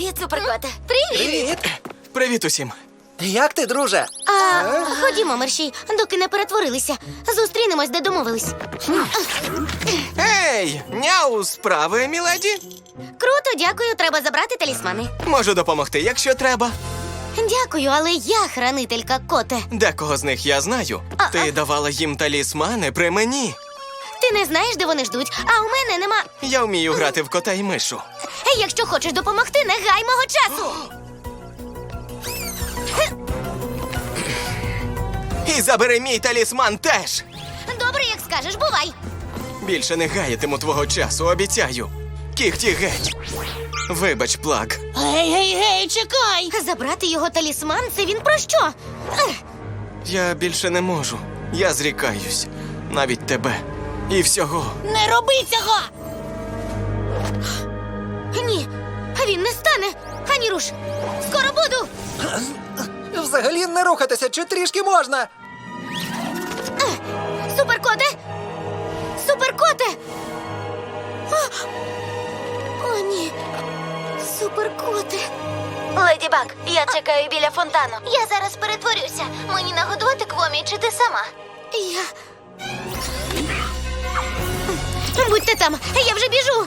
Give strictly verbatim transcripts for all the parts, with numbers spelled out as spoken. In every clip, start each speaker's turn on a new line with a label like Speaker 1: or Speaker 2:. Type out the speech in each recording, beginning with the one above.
Speaker 1: Привіт, суперкоте. Привіт.
Speaker 2: Привіт!
Speaker 3: Привіт усім.
Speaker 2: Як ти, друже?
Speaker 1: А, ходімо, мерщій, доки не перетворилися. Зустрінемось, де домовились.
Speaker 3: Ей, няу, справи, міледі?
Speaker 1: Круто, дякую, треба забрати талісмани.
Speaker 3: Можу допомогти, якщо треба.
Speaker 1: Дякую, але я хранителька, коте.
Speaker 3: Декого з них я знаю.
Speaker 1: А-а.
Speaker 3: Ти давала їм талісмани при мені.
Speaker 1: Ти не знаєш, де вони ждуть, а у мене нема.
Speaker 3: Я вмію грати в кота й мишу.
Speaker 1: Якщо хочеш допомогти, не гай мого часу.
Speaker 3: І забери мій талісман теж.
Speaker 1: Добре, як скажеш, бувай.
Speaker 3: Більше не гаятиму твого часу, обіцяю. Кіхті геть. Вибач, Плаг.
Speaker 4: Гей, гей, гей, чекай!
Speaker 1: Забрати його талісман – це він про що? Ех,
Speaker 3: Я більше не можу. Я зрікаюсь. Навіть тебе. І всього.
Speaker 4: Не роби цього!
Speaker 1: ні, він не стане. Ані руш. Скоро буду.
Speaker 2: Взагалі не рухатися, чи трішки можна?
Speaker 1: Суперкоте! Суперкоте! О, О ні. Суперкоте. Леді Баг, я чекаю біля фонтану. Я зараз перетворюся. Мені нагодувати Квомі, чи ти сама? Я... Будьте там, я вже біжу.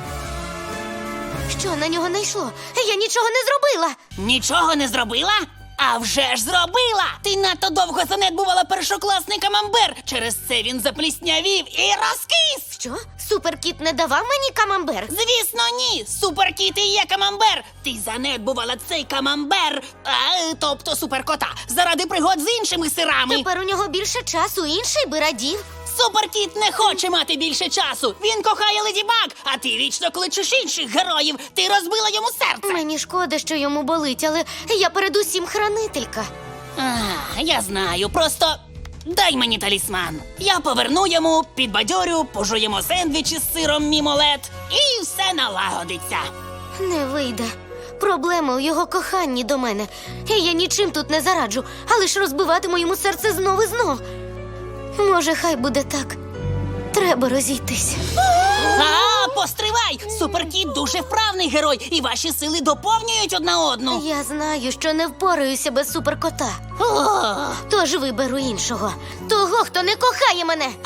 Speaker 1: Що на нього найшло? Я нічого не зробила.
Speaker 4: Нічого не зробила? А вже ж зробила! Ти надто довго занедбувала першокласний камамбер. Через це він запліснявів і розкис!
Speaker 1: Що? Суперкіт не давав мені камамбер?
Speaker 4: Звісно, ні! Суперкіт і є камамбер! Ти занедбувала цей камамбер, а, тобто суперкота, заради пригод з іншими сирами.
Speaker 1: Тепер у нього більше часу, інший би радів.
Speaker 4: Суперкіт не хоче мати більше часу. Він кохає Леді Баг, а ти вічно кличеш інших героїв. Ти розбила йому серце.
Speaker 1: Мені шкода, що йому болить, але я передусім хранителька.
Speaker 4: А, я знаю, просто дай мені талісман. Я поверну йому, підбадьорю, пожуємо сендвічі з сиром мімолет, і все налагодиться.
Speaker 1: Не вийде. Проблема у його коханні до мене. І я нічим тут не зараджу, але ж розбиватиму йому серце знов і знов. Може, хай буде так. Треба розійтись.
Speaker 4: А, постривай! Суперкіт дуже вправний герой, і ваші сили доповнюють одна одну.
Speaker 1: Я знаю, що не впораюся без суперкота.
Speaker 4: О,
Speaker 1: Тож виберу іншого. Того, хто не кохає мене.
Speaker 4: а?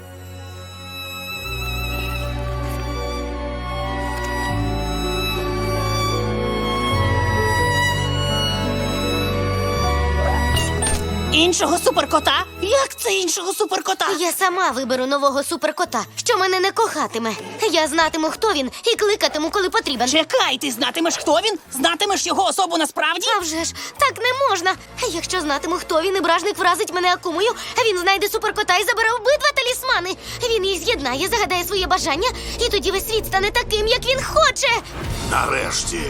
Speaker 4: Іншого суперкота? Як це іншого суперкота?
Speaker 1: Я сама виберу нового суперкота, що мене не кохатиме. Я знатиму, хто він, і кликатиму, коли потрібен.
Speaker 4: Чекай, ти знатимеш, хто він? Знатимеш його особу насправді?
Speaker 1: А вже ж, так не можна. Якщо знатиму, хто він, і бражник вразить мене акумою, він знайде суперкота і забере обидва талісмани. Він їх з'єднає, загадає своє бажання, і тоді весь світ стане таким, як він хоче.
Speaker 5: Нарешті.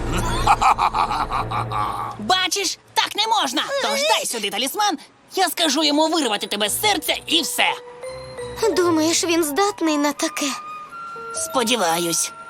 Speaker 4: Бачиш, так не можна. Тож дай сюди талісман, я скажу йому вирвати тебе з серця і все.
Speaker 1: Думаєш, він здатний на таке?
Speaker 4: Сподіваюсь.